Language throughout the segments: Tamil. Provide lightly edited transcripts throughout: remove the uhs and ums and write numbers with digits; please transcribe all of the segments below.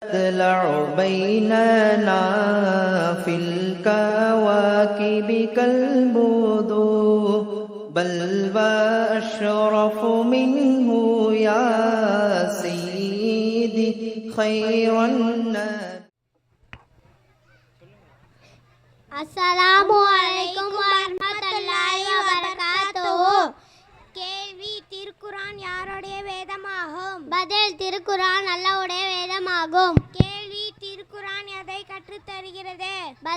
تطلع بيننا في الكواكب كالبدور بل وأشرف منه يا سيدي خير الناس. அஸ்ஸலாமு அலைக்கும் வரஹ்மத்துல்லாஹி வபரகாத்துஹு. கேள்வி, திருக்குர்ஆன் யாருடைய வேதமாகும்? பதில், திருக்குர்ஆன் அல்லாஹ்வுடைய வேதமாகும். கேள்வி, திருக்குர்ஆன் எதை கற்றுத் தருகிறது?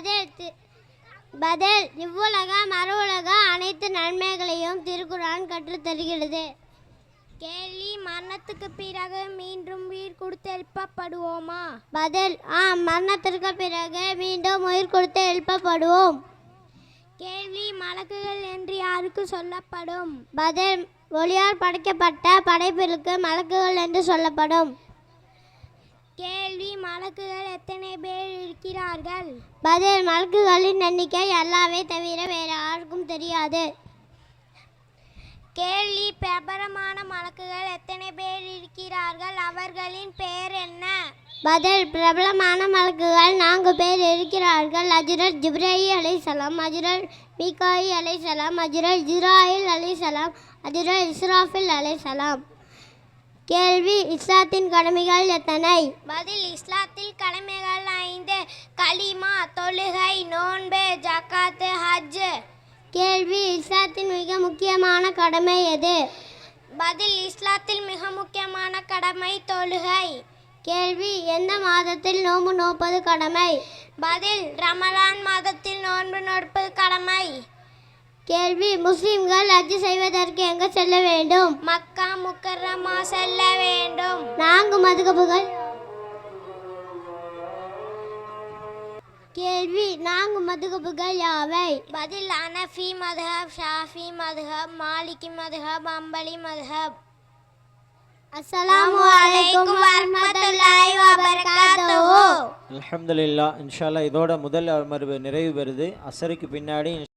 பதில், இவ்வுலக மறுவுலக அனைத்து நன்மைகளையும் திருக்குர்ஆன் கற்றுத் தருகிறது. கேள்வி, மரணத்துக்கு பிறகு மீண்டும் உயிர் கொடுத்து எழுப்பப்படுவோமா? பதில், ஆம், மரணத்திற்கு பிறகு மீண்டும் உயிர் கொடுத்து எழுப்பப்படுவோம். கேள்வி, மலக்குகள் என்று யாருக்கு சொல்லப்படும்? பதில், ஒளியால் படைக்கப்பட்ட படைப்பிற்கு மலக்குகள் என்று சொல்லப்படும். கேள்வி, மலக்குகள் எத்தனை பேர் இருக்கிறார்கள்? பதில், மலக்குகளின் எண்ணிக்கை அல்லாஹ்வை தவிர வேறு யாருக்கும் தெரியாது. கேள்வி, பிரபலமான மலக்குகள் எத்தனை பேர் இருக்கிறார்கள்? அவர்களின் பெயர் என்ன? பதில், பிரபலமான மலக்குகள் 4 பேர் இருக்கிறார்கள். ஹஜ்ரத் ஜிப்ரீல் அலைஹிஸ்ஸலாம், ஹஜ்ரத் மீகாயில் அலைஹிஸ்ஸலாம், ஹஜ்ரத் இஸ்ராயில் அலைஹிஸ்ஸலாம், ஹஜ்ரத் இஸ்ராஃபில் அலைஹிஸ்ஸலாம். கேள்வி, இஸ்லாத்தின் கடமைகள் எத்தனை? பதில், இஸ்லாத்தில் கடமைகள் 5. கலிமா, தொழுகை, நோன்பு, ஜகாத், ஹஜ். கேள்வி, இஸ்லாத்தின் மிக முக்கியமான கடமை எது? பதில், இஸ்லாத்தில் மிக முக்கியமான கடமை தொழுகை. கேள்வி, எந்த மாதத்தில் நோன்பு நோற்பது கடமை? பதில், ரமலான் மாதத்தில் நோன்பு நோற்பது கடமை. கேள்வி, முஸ்லிம்கள் ஹஜ் செய்வதற்கு எங்கு செல்ல வேண்டும்? மக்கா முக்கர்ரமா செல்ல வேண்டும். 4 மதுஹபுகள். கேள்வி, 4 மதுஹபுகள் யாவை? பதில், ஹனஃபி மதுஹப், ஷாஃபி மதுஹப், மாலிகி மதுஹப், ஹம்பலி மதுஹப். அஸ்ஸலாமு அலைக்கும் வரஹ்மத்துல்லாஹி வபரகாத்துஹு. அல்ஹம்துலில்லாஹ். இன்ஷா அல்லாஹ் இதோட முதல் அமர்வு நிறைவு பெறுது. அசருக்கு பின்னாடி